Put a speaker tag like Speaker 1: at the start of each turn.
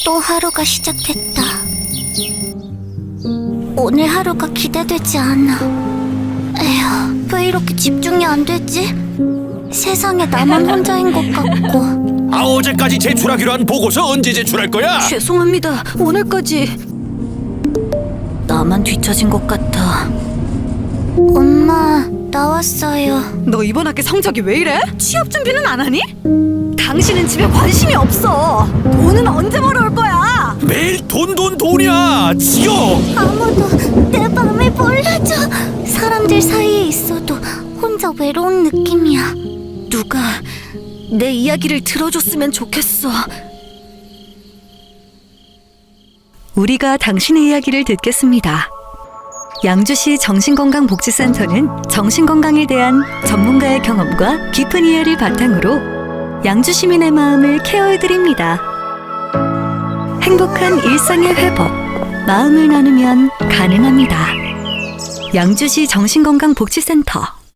Speaker 1: 또 하루가 시작됐다. 오늘 하루가 기대되지 않아. 에휴, 왜 이렇게 집중이 안 되지? 세상에 나만 혼자인 것 같고.
Speaker 2: 어제까지 제출하기로 한 보고서 언제 제출할 거야?
Speaker 1: 죄송합니다. 오늘까지. 나만 뒤처진 것 같아. 엄마, 나왔어요.
Speaker 3: 너 이번 학기 성적이 왜 이래? 취업 준비는 안 하니? 당신은 집에 관심이 없어. 돈은 언제 벌어올 거야?
Speaker 2: 매일 돈이야. 지어.
Speaker 1: 아무도 내 맘을 몰라줘. 사람들 사이에 있어도 혼자 외로운 느낌이야. 누가 내 이야기를 들어줬으면 좋겠어.
Speaker 3: 우리가 당신의 이야기를 듣겠습니다. 양주시 정신건강복지센터는 정신건강에 대한 전문가의 경험과 깊은 이해를 바탕으로 양주 시민의 마음을 케어해드립니다. 행복한 일상의 회복, 마음을 나누면 가능합니다. 양주시 정신건강복지센터